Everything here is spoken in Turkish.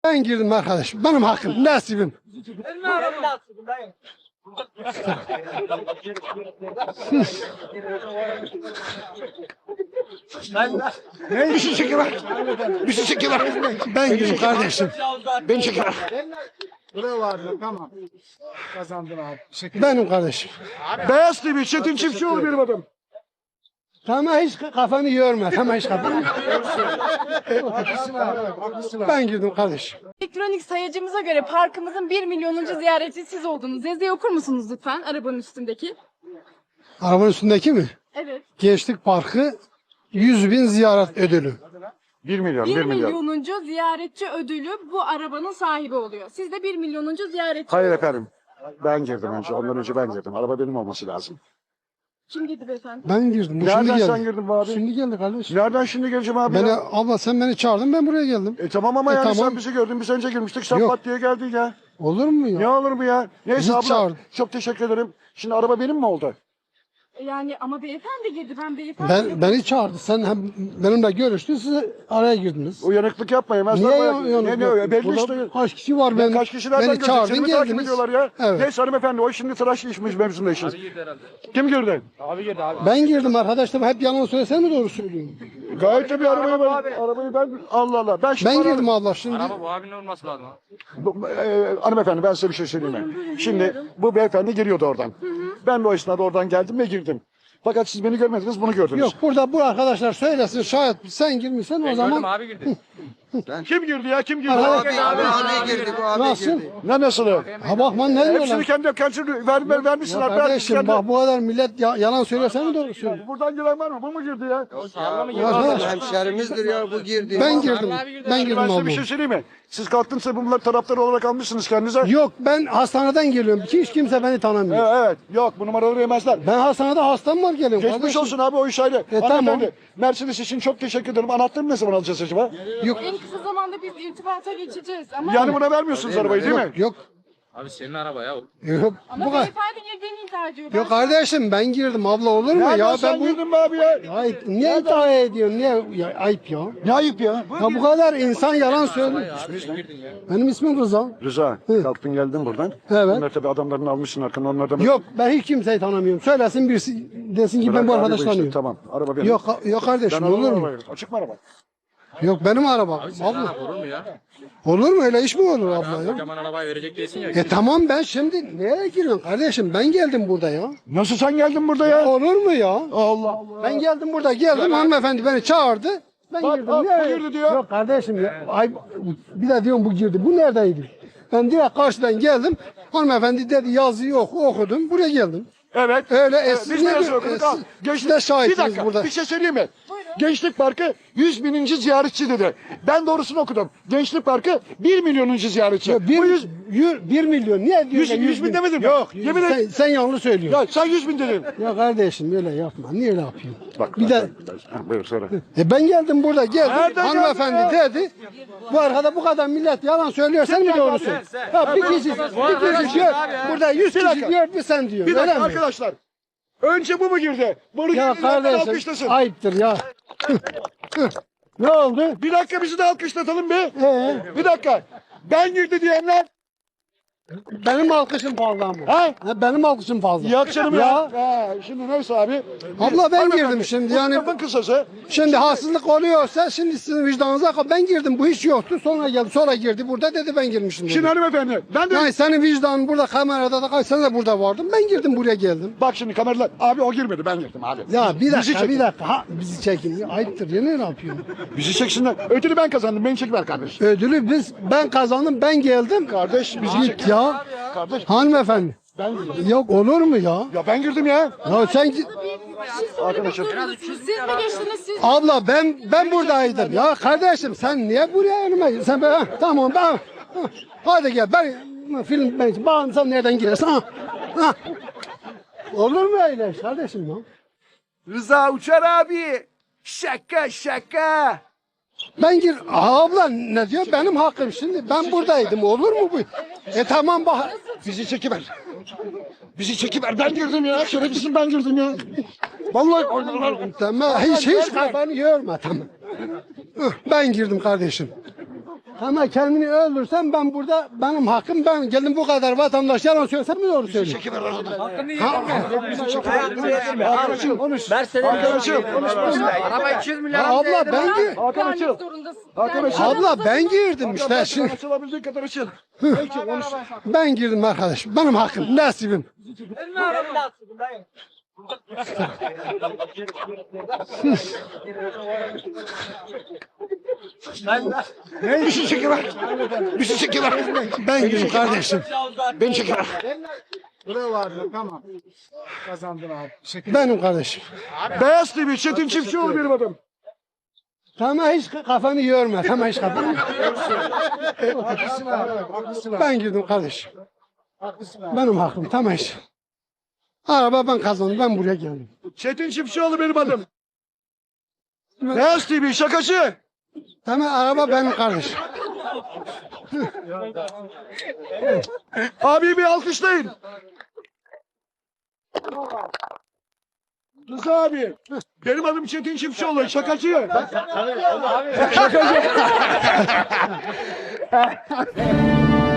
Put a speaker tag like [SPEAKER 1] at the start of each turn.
[SPEAKER 1] Ben girdim arkadaşım. Benim hakkım, nasibim. Bir şey çekiver. Bir şey çekiver. Ben girdim kardeşim. Beni çekiver.
[SPEAKER 2] Buraya vardı, tamam. Kazandın abi.
[SPEAKER 1] Benim kardeşim.
[SPEAKER 2] Beyaz TV, Çetin Çiftçioğlu benim adım.
[SPEAKER 1] Tamam hiç kafanı yorma. Tamam hiç kafanı. Ben girdim kardeşim.
[SPEAKER 3] Elektronik sayacımıza göre parkımızın 1 milyonuncu ziyaretçi siz oldunuz. Yazıyı okur musunuz lütfen arabanın üstündeki?
[SPEAKER 1] Arabanın üstündeki mi?
[SPEAKER 3] Evet.
[SPEAKER 1] Gençlik Parkı 100.000 ziyaret ödülü.
[SPEAKER 2] 1 milyon,
[SPEAKER 3] 1 milyonuncu ziyaretçi ödülü bu arabanın sahibi oluyor. Siz de 1 milyonuncu ziyaretçi.
[SPEAKER 2] Hayır efendim. Ben girdim önce. Ondan önce ben girdim. Araba benim olması lazım.
[SPEAKER 3] Kim dedi beyefendi?
[SPEAKER 1] Ben girdim. Bu
[SPEAKER 2] Nereden
[SPEAKER 1] şimdi
[SPEAKER 2] sen
[SPEAKER 1] geldi.
[SPEAKER 2] girdin bu abi?
[SPEAKER 1] Şimdi geldi kardeşim.
[SPEAKER 2] Nereden şimdi geleceğim abi?
[SPEAKER 1] Beni,
[SPEAKER 2] ya?
[SPEAKER 1] abla sen beni çağırdın, ben buraya geldim.
[SPEAKER 2] Tamam ama yani
[SPEAKER 1] tamam.
[SPEAKER 2] sen bizi gördün. Biz önce girmiştik. Sen
[SPEAKER 1] Yok.
[SPEAKER 2] pat diye geldin ya.
[SPEAKER 1] Olur mu ya?
[SPEAKER 2] Ne olur mu ya? Neyse
[SPEAKER 1] Bizi
[SPEAKER 2] abla.
[SPEAKER 1] çağırdı.
[SPEAKER 2] Çok teşekkür ederim. Şimdi araba benim mi oldu?
[SPEAKER 3] Yani ama beyefendi girdi. Ben beyefendi.
[SPEAKER 1] Beni çağırdı. Sen hem benimle görüştün, siz araya girdiniz.
[SPEAKER 2] Uyanıklık yapma yemezler.
[SPEAKER 1] Niye
[SPEAKER 2] bayağı.
[SPEAKER 1] yanık
[SPEAKER 2] Ne
[SPEAKER 1] yok?
[SPEAKER 2] belli
[SPEAKER 1] Burada
[SPEAKER 2] işte.
[SPEAKER 1] kaç kişi var ben?
[SPEAKER 2] Kaç kişilerden
[SPEAKER 1] beni çağırdın,
[SPEAKER 2] Seni mi takip
[SPEAKER 1] geldiniz.
[SPEAKER 2] ediyorlar ya?
[SPEAKER 1] Evet.
[SPEAKER 2] Neyse hanımefendi o şimdi tıraş işmiş mevzunda işiniz. Kim girdi?
[SPEAKER 1] Ben girdim arkadaşlar. Hep yalan söylesen mi doğru söylüyorum?
[SPEAKER 2] Gayet tabii arabayı ben Allah Allah. Ben, şimdi
[SPEAKER 1] Ben girdim abla şimdi.
[SPEAKER 4] Araba bu abinin olması lazım.
[SPEAKER 2] hanımefendi ben size bir şey söyleyeyim mi? Şimdi bu beyefendi geliyordu oradan. Ben de o esnada oradan geldim ve girdim. Fakat siz beni görmediniz, bunu gördünüz.
[SPEAKER 1] Yok burada bu arkadaşlar söylesin, şayet sen girmişsen o
[SPEAKER 4] Ben
[SPEAKER 1] zaman
[SPEAKER 4] gördüm abi girdi.
[SPEAKER 2] Kim girdi ya? Kim girdi?
[SPEAKER 1] Abi
[SPEAKER 4] girdi bu abi
[SPEAKER 1] nasıl?
[SPEAKER 2] Ne nasılı?
[SPEAKER 1] Ha bakman ne
[SPEAKER 2] Hepsini
[SPEAKER 1] diyorlar?
[SPEAKER 2] kendi vermişsin
[SPEAKER 1] Ya
[SPEAKER 2] abi.
[SPEAKER 1] kardeşim bak bu kadar millet yalan söylesen mi doğru söylüyor?
[SPEAKER 2] Buradan giren var mı? Bu mu girdi ya?
[SPEAKER 1] Arkadaş,
[SPEAKER 5] Hemşerimizdir ya bu girdi.
[SPEAKER 1] ben girdim. Ben girdim
[SPEAKER 2] Ben size bir
[SPEAKER 1] abla.
[SPEAKER 2] şey söyleyeyim mi? Siz kalktınız bunlar taraftarı olarak almışsınız kendinize.
[SPEAKER 1] Yok ben hastaneden geliyorum. Hiç kimse beni tanımıyor.
[SPEAKER 2] Evet. Yok bu numaraları yemezler.
[SPEAKER 1] Ben hastanede hastam var geliyorum.
[SPEAKER 2] Geçmiş
[SPEAKER 1] kardeşim.
[SPEAKER 2] olsun abi o iş ayrı.
[SPEAKER 1] tamam.
[SPEAKER 2] Hanımefendi, Mercedes için çok teşekkür ederim. Anahtarını ne zaman alacağız acaba?
[SPEAKER 1] Yok.
[SPEAKER 3] En kısa zamanda biz irtibata geçeceğiz ama
[SPEAKER 2] Yani buna vermiyorsunuz arabayı değil mi?
[SPEAKER 1] Yok.
[SPEAKER 4] Abi senin araba ya.
[SPEAKER 1] Yok.
[SPEAKER 3] ama
[SPEAKER 1] Bu kadar.
[SPEAKER 3] beyefendi girdiğini iddia ediyor.
[SPEAKER 1] Yok kardeşim ben girdim abla olur mu
[SPEAKER 2] Nereden
[SPEAKER 1] ya
[SPEAKER 2] sen
[SPEAKER 1] ben bu
[SPEAKER 2] girdin mi abi ya?
[SPEAKER 1] Ayıp. Niye iddia ediyorsun? Niye ya, ayıp ya?
[SPEAKER 2] Ne ayıp ya?
[SPEAKER 1] Ya bu kadar insan yalan söylüyor. Benim ismim Rıza.
[SPEAKER 2] Rıza, kalktın geldin buradan.
[SPEAKER 1] Evet.
[SPEAKER 2] Bunlar tabii adamlarını almışsın arkadan onlardan.
[SPEAKER 1] Yok ben hiç kimseyi tanımıyorum. Söylesin birisi desin ki ben bu
[SPEAKER 2] Bırak abi
[SPEAKER 1] arkadaş
[SPEAKER 2] işte,
[SPEAKER 1] tanıyorum.
[SPEAKER 2] Tamam, araba benim.
[SPEAKER 1] Yok kardeşim
[SPEAKER 2] Ben
[SPEAKER 1] olur mu?
[SPEAKER 2] arabayı. Açık mı araba?
[SPEAKER 1] Yok benim arabam. Abla.
[SPEAKER 4] Olur mu ya?
[SPEAKER 1] Olur mu öyle iş mi olur abla ya?
[SPEAKER 4] Kocaman arabayı verecek değilsin ya.
[SPEAKER 1] Tamam ben şimdi nereye giriyorum kardeşim? Ben geldim burada ya.
[SPEAKER 2] Nasıl sen geldin burada ya?
[SPEAKER 1] Olur mu ya?
[SPEAKER 2] Allah Allah.
[SPEAKER 1] Ben geldim burada geldim hanımefendi beni çağırdı. Ben
[SPEAKER 2] Bak,
[SPEAKER 1] girdim.
[SPEAKER 2] bak,
[SPEAKER 1] Nereye?
[SPEAKER 2] bu girdi diyor.
[SPEAKER 1] Yok kardeşim ya. Ay, bir de diyorum bu girdi. Bu neredeydi? Ben direkt karşıdan geldim. Hanımefendi dedi yazıyı okudum. Buraya geldim.
[SPEAKER 2] Evet.
[SPEAKER 1] Öyle
[SPEAKER 2] Biz de yazı okuduk. Al.
[SPEAKER 1] Siz de şahitsiniz
[SPEAKER 2] Bir dakika
[SPEAKER 1] burada.
[SPEAKER 2] bir şey söyleyeyim mi? Gençlik Parkı 100.000. ziyaretçi dedi. Ben doğrusunu okudum. Gençlik Parkı 1 milyonuncu ziyaretçi.
[SPEAKER 1] Ya,
[SPEAKER 2] Bu 100,
[SPEAKER 1] 1 milyon. Niye diyorsun?
[SPEAKER 2] 100 bin demedim mi?
[SPEAKER 1] Yok.
[SPEAKER 2] Yemin et.
[SPEAKER 1] Sen yanlış söylüyorsun.
[SPEAKER 2] ya sen 100.000 dedin.
[SPEAKER 1] Ya kardeşim öyle yapma. Niye öyle yapıyorsun?
[SPEAKER 2] Bak,
[SPEAKER 1] Bir de
[SPEAKER 2] Ha, buyur sonra.
[SPEAKER 1] ben geldim burada geldim.
[SPEAKER 2] Nereden
[SPEAKER 1] Hanımefendi
[SPEAKER 2] geldin
[SPEAKER 1] dedi. Bu arkada bu kadar millet yalan söylüyor. Sen mi doğru söylüyorsun? Ha, bir kişi diyor. Burada 100 kişi
[SPEAKER 2] dakika.
[SPEAKER 1] diyor bir sen diyor.
[SPEAKER 2] Bir
[SPEAKER 1] Öyle
[SPEAKER 2] dakika
[SPEAKER 1] mi?
[SPEAKER 2] arkadaşlar. Önce bu mu girdi? Bunu
[SPEAKER 1] Ya
[SPEAKER 2] girdiğinden
[SPEAKER 1] kardeşim
[SPEAKER 2] alkışlasın.
[SPEAKER 1] ayıptır ya. Ne oldu?
[SPEAKER 2] Bir dakika bizi de alkışlatalım bir.
[SPEAKER 1] Ee,
[SPEAKER 2] Bir dakika. Ben girdi diyenler.
[SPEAKER 1] benim alkışım fazla mı?
[SPEAKER 2] Ha?
[SPEAKER 1] Benim alkışım fazla.
[SPEAKER 2] Yok canım ya.
[SPEAKER 1] Ya.
[SPEAKER 2] Ha, şimdi neyse abi.
[SPEAKER 1] Abla ben
[SPEAKER 2] Hanımefendi,
[SPEAKER 1] girdim şimdi
[SPEAKER 2] bu
[SPEAKER 1] yani.
[SPEAKER 2] lafın kısası.
[SPEAKER 1] Şimdi haksızlık oluyorsa şimdi sizin vicdanınıza kal. Ben girdim bu hiç yoktu. Sonra geldi. Sonra girdi burada dedi ben girmişim dedi.
[SPEAKER 2] Şimdi hanımefendi ben de
[SPEAKER 1] Yani senin vicdanın burada kamerada da sen de burada vardın. Ben girdim buraya geldim.
[SPEAKER 2] bak şimdi kameralar. Abi o girmedi ben girdim abi.
[SPEAKER 1] Ya bir
[SPEAKER 2] Bizi
[SPEAKER 1] dakika
[SPEAKER 2] çekin.
[SPEAKER 1] bir dakika. Ha, bizi çekin. Ya, ayıptır ya ne yapıyorsun?
[SPEAKER 2] Bizi çeksinler. Ödülü ben kazandım. Beni çek ver kardeş.
[SPEAKER 1] Ödülü ben kazandım ben geldim.
[SPEAKER 2] Kardeş bizi çek.
[SPEAKER 1] Git ya.
[SPEAKER 2] Kardeş
[SPEAKER 1] Hanımefendi.
[SPEAKER 2] ben girdim.
[SPEAKER 1] Yok olur mu ya?
[SPEAKER 2] Ya ben girdim ya.
[SPEAKER 1] Ya sen
[SPEAKER 2] Arkadaşım.
[SPEAKER 3] Siz mi geçtiniz siz?
[SPEAKER 1] abla ben buradaydım. Ya kardeşim sen niye buraya önüme? Sen ben tamam ben hadi gel ben film ben bağım sen nereden girersin? Ha. Olur mu öyle kardeşim ya?
[SPEAKER 5] Rıza Uçar abi. Şaka şaka.
[SPEAKER 1] Ben gir abla ne diyor benim hakkım şimdi ben buradaydım olur mu bu? Tamam bak
[SPEAKER 2] Bizi çekiver. Bizi çekiver. Ben girdim ya. Şerefsizim ben girdim ya. Vallahi
[SPEAKER 1] tamam hiç kafanı yorma tamam. Ben girdim kardeşim. Ama kendini öldürsen ben burada benim hakkım, ben geldim bu kadar vatandaş yalan söylesem mi doğru söylüyor?
[SPEAKER 2] Arkadaşım konuş. Arkadaşım konuş.
[SPEAKER 5] Araba 200 milyar.
[SPEAKER 1] Abla ben
[SPEAKER 2] Hakan açıl.
[SPEAKER 3] Zorundasın.
[SPEAKER 2] Hakan açıl.
[SPEAKER 1] abla ben girdim işte
[SPEAKER 2] Ben
[SPEAKER 1] şimdi.
[SPEAKER 2] açılabildiğin kadar açıl. Peki konuş.
[SPEAKER 1] Ben girdim arkadaş. Benim hakkım, nasibim.
[SPEAKER 2] Bir şey çekiver. Bir şey çekiver.
[SPEAKER 1] Ben girdim kardeşim.
[SPEAKER 2] Beni çekiver.
[SPEAKER 1] Benim kardeşim.
[SPEAKER 2] Beyaz TV Çetin Çiftçioğlu benim adım.
[SPEAKER 1] Tamam hiç kafanı yorma. Tamam hiç kafanı. Ben girdim kardeşim. Benim hakkım. Tamam hiç. Araba ben kazandım. Ben buraya geldim.
[SPEAKER 2] Çetin Çiftçioğlu benim adım. Beyaz TV şakacı.
[SPEAKER 1] Tamam araba benim kardeşim.
[SPEAKER 2] Abi bir alkışlayın. Rıza abi. Benim adım Çetin Çiftçioğlu. Şakacı. Şakacı.